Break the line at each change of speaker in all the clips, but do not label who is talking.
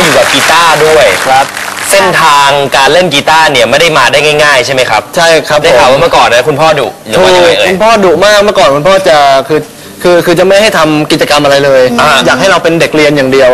อยู่กับกีตาร์ด้วยครับเส้นทางการเล่นกีตาร์เนี่ยไม่ได้มาได้ง่ายๆใช่ไหมครับ
ใช่ครับ
ได้ข่าวว่าเมื่อก่อนนะคุณพ่อดุหรือว่ายังไงเอ่ย
คุณพ่อดุมากเมื่อก่อนคุณพ่อจะคือจะไม่ให้ทำกิจกรรมอะไรเลยอยากให้เราเป็นเด็กเรียนอย่างเดียว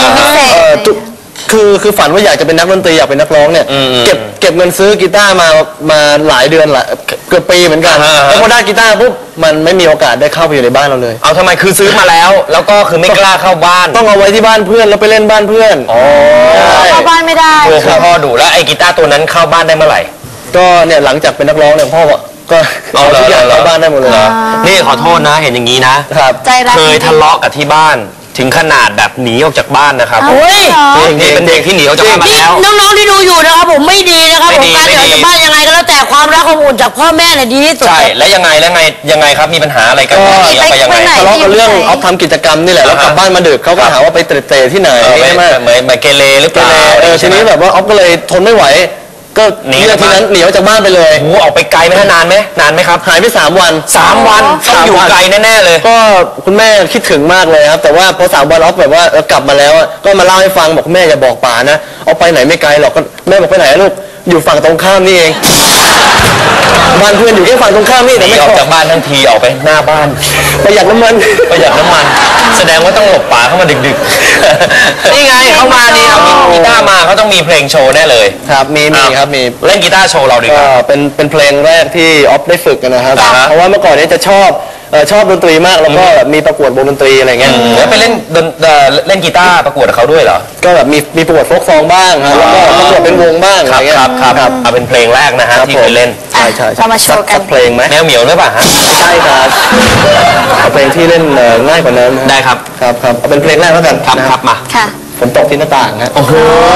คือฝันว่าอยากจะเป็นนักดนตรีอยากเป็นนักร้องเนี่ยเก็บเงินซื้อกีตาร์มาหลายเดือนเกือบปีเหมือนกันแล้วพอได้กีตาร์ปุ๊บมันไม่มีโอกาสได้เข้าไปอยู่ในบ้านเราเลย
เอาทำไมคือซื้อมาแล้วก็คือไม่กล้าเข้าบ้าน
ต้องเอาไว้ที่บ้านเพื่อนแล้วไปเล่นบ้านเพื่อน
เข้าบ้านไม่ได้
คุณพ่อดุแล้วไอ้กีตาร์ตัวนั้นเข้าบ้านได้เมื่อไหร่
ก็เนี่ยหลังจากเป็นนักร้องเนี่ยพ่อก็เอาทุกอย่างเข้าบ้านได้หมดเลย
นี่ขอโทษนะเห็นอย่างนี้นะเคยทะเลาะกับที่บ้านถึงขนาดแบบหนีออกจากบ้านนะครับนี่เป็นเด็กที่หนีออกจากบ้านมาแล้ว
น้องๆที่ดูอยู่นะครับผมไม่ดีนะครับผมการหนีออกจากบ้านยังไงก็แล้วแต่ความรักความอุ่นจากพ่อแม่เนี่ยดีที่สุด
ใช่แล้วยังไงครับมีปัญหาอะไรกันหนีออกไปยังไง
ทะเลาะกันเรื่องเอาทำกิจกรรมนี่แหละแล้วกลับบ้านมาดึกเขาก็หาว่าไปเตะที่ไหน
ใช่ไหมเหมือนเกเรหรือเปล่า
ทีนี้แบบว่าออฟก็เลยทนไม่ไหวก็หนีทีนั้นหนีออกจากบ้านไปเลย
โอ้ออกไปไกลไหมนานไหมครับ
หายไป3 วัน
ต้องอยู่ไกลแน่ๆเลย
ก็คุณแม่คิดถึงมากเลยครับแต่ว่าพอ3 วันออฟแบบว่ากลับมาแล้วก็มาเล่าให้ฟังบอกแม่อย่าบอกป๋านะเอาไปไหนไม่ไกลหรอกก็แม่บอกไปไหนลูกอยู่ฝั่งตรงข้ามนี่เองบ้านเพื่อนอยู่แค่ฝั่งตรงข้ามนี่แต่ไม่
ออกจากบ้านทั้งทีออกไปหน้าบ้าน
ประหยัดน้ำมัน
แสดงว่าต้องหลบป๋าเข้ามาดึกๆนี่ไงเขามานี่เอากีตาร์มาเขาต้องมีเพลงโชว์แน่เลย
ครับมีครับมี
เล่นกีตาร์โชว์เราดีกว่า
เป็นเพลงแรกที่ออฟได้ฝึกกันนะครับเพราะว่าเมื่อก่อนนี้จะชอบดนตรีมากแล้วก็มีประกวดวงดนตรีอะไรเงี้ย
แล้วไปเล่นกีตาร์ประกวดกับเขาด้วยเหรอ
ก็แบบมีประกวดโฟล์คซองบ้างครับแล้วก็ประกวดเป็นวงบ้างอะไรเงี้ย
ครับเอาเป็นเพลงแรกนะฮะที่เคยเล่น
ใช่
เรามาโชว์กัน
เพลงไหม
แนวเหมียวหรือเปล่าฮะ
ใช่ครับเอาเพลงที่เล่นง่ายกว่านั้น
ได้ครับ
เอาเป็นเพลงแรกแล้วกัน
ครับมา
ฝนตกที่หน้าต่างฮะ
โอ้โห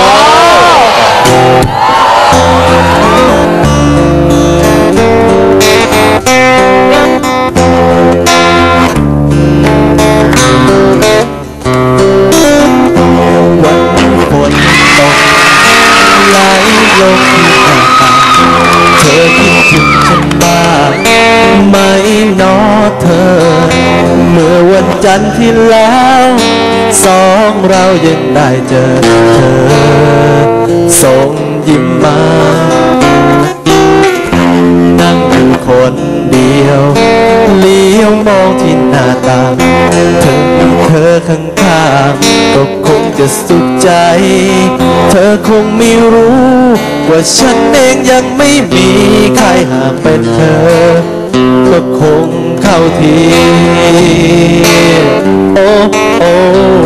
เธอคิดถึงฉันบ้างไหมน้อเธอเมื่อวันจันทร์ที่แล้ว2 เรายังได้เจอเธอส่งยิ้มมานั่งอยู่คนเดียวเลี้ยวมองที่หน้าต่างเธอข้างๆก็คงจะสุขใจเธอคงไม่รู้ว่าฉันเองยังไม่มีใครหากเป็นเธอก็คงเข้าทีโอ้โอ้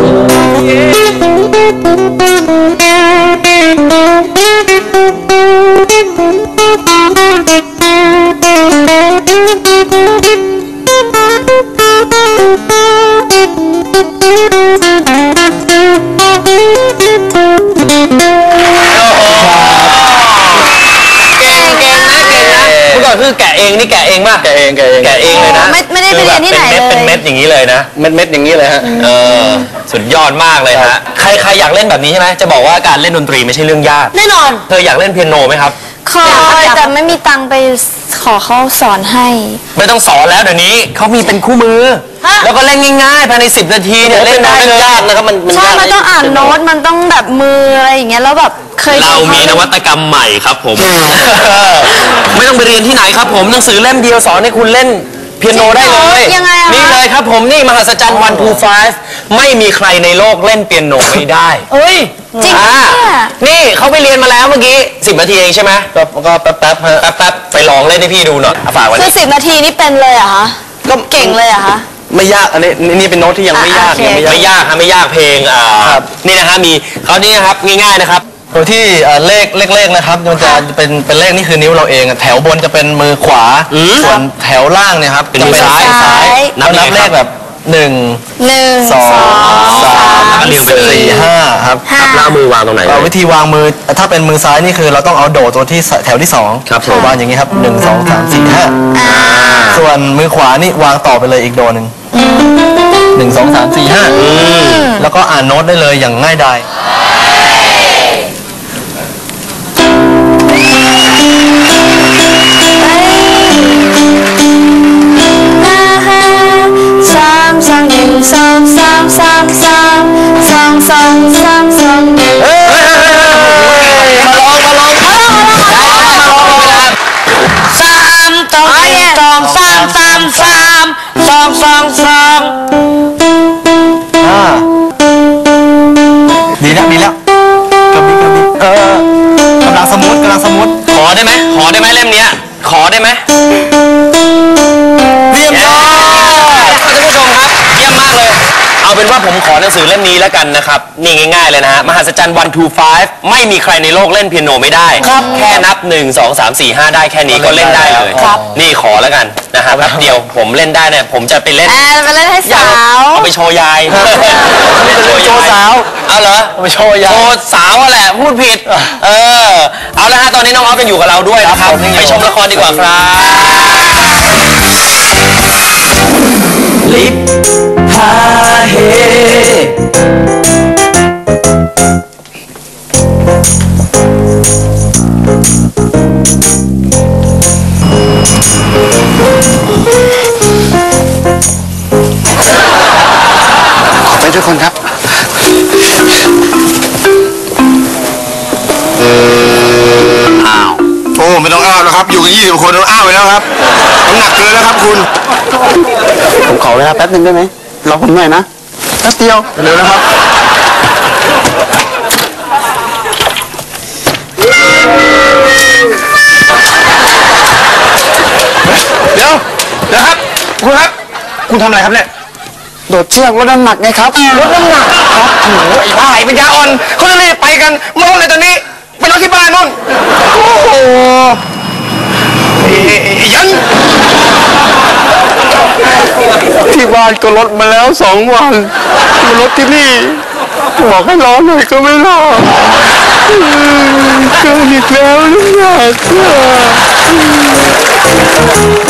คือแกะเองนี่แกะเองมากแกะเองเลยนะ
ไม่ได้ไปเรียนที่ไหนเลย
เป็นเม็ดอย่างนี้เลยนะ
เม็ดอย่างนี้เลยฮะ
สุดยอดมากเลยฮะใครอยากเล่นแบบนี้ใช่ไหมจะบอกว่าการเล่นดนตรีไม่ใช่เรื่องยาก
แน่นอน
เธออยากเล่นเปียโนไหมครับ
เคยแต่ไม่มีตังค์ไปขอเขาสอนให้
ไม่ต้องสอนแล้วเดี๋ยวนี้เขามีเป็นคู่มือแล้วก็เล่นง่ายๆภายใน10 นาทีเนี่ยเล่นได้เลย
ยากนะครับมัน
ใช่มันต้องอ่านโน้ตมันต้องแบบมืออะไรอย่างเงี้ยแล้วแบบ
เรามีนวัตกรรมใหม่ครับผมไม่ต้องไปเรียนที่ไหนครับผมหนังสือเล่มเดียวสอนให้คุณเล่นเปียโนได้เลยนี่เลยครับผมนี่มหัศจรรย์1 2 5ไม่มีใครในโลกเล่นเปียโนไม่ได้
จริง
นี่เขาไปเรียนมาแล้วเมื่อกี้10 นาทีเองใช่ไหม
ก็แป๊บ
ไปลองเล่นให้พี่ดูหน่อยฝากไว้
คือ10 นาทีนี่เป็นเลยเหรอคะก็เก่งเลยเหรอคะ
ไม่ยากอันนี้เป็นโน้ตที่ยังไม่ยาก
ไม่ยากเพลงนี่นะฮะมีเขานี่นะครับง่ายๆนะครับ
โดยที่เลขนะครับมันจะเป็นเลขนี่คือนิ้วเราเองแถวบนจะเป็นมือขวาส่วนแถวล่างเนี่ยครับ
เป็นมือซ้าย
นับเลขแบบ1 2 3 4 5ครับ
แล้วมือวางตรงไหน
วิธีวางมือถ้าเป็นมือซ้ายนี่คือเราต้องเอาโดดตัวที่แถวที่2
ครับ
วางอย่างนี้ครับ1 2 3 4 5ส่วนมือขวานี่วางต่อไปเลยอีกโดนึง1 2 3 4 5แล้วก็อ่านโน้ตได้เลยอย่างง่ายดาย
3 2 1 2 3 3 3 2 2 3 2 1
ดีแล้วกำลังสมูท
ขอได้ไหมเล่มเนี้ยขอได้ไหมเยี่ยมยอดท่านผู้ชมครับเยี่ยมมากเลยเอาเป็นว่าผมขอหนังสือเล่มนี้แล้วกันนะครับนี่ง่ายๆเลยนะฮะมหัศจรรย์ 1 2 5ไม่มีใครในโลกเล่นเปียโนไม่ได้แค่นับ1 2 3 4 5ได้แค่นี้ก็เล่นได้เลยนี่ขอแล้วกันนะฮะแป๊บเดียวผมเล่นได้เนี่ยผมจะไปเล่น
ไปเล่นให้สาว
เอาไปโชว์ยาย
โชว์สาว
เอาเหรอ
เอาไปโชว์ยาย
โชว์สาวแหละพูดผิดเอาละฮะตอนนี้น้องออฟยังอยู่กับเราด้วยนะครับไปชมละครดีกว่าครับ
ลิปฮาเฮ
ขอไปทุกคนครับ
อ้าว
โอ้ไม่ต้องอ้าวแล้วครับ อยู่กัน20 คนต้องอ้าวไปแล้วครับน้ำหนักเกินแล้วครับคุณ
ผมขอเวลาแป๊บนึงได้ไหมรอผมหน่อยนะแป๊บเดียว
เร็วนะครับเดี๋ยวครับคุณครับ คุณทำอะไรครับเนี่ย
โดดเชือกลดน้ำหนักไงครับลดน้ำหนักครับ
โอ้โหไอ้บ้าไอ้ปัญญาอ่อนเขาจะรีบไปกันมาลงเลยตอนนี้ไปนอนที่บ้านนู่นโอ้โหไอ้ยัน
ที่บ้านก็ลดมาแล้ว2 วันมาลดที่นี่บอกให้รอหน่อยก็ไม่รอเกินอีกแล้วน้ำหนัก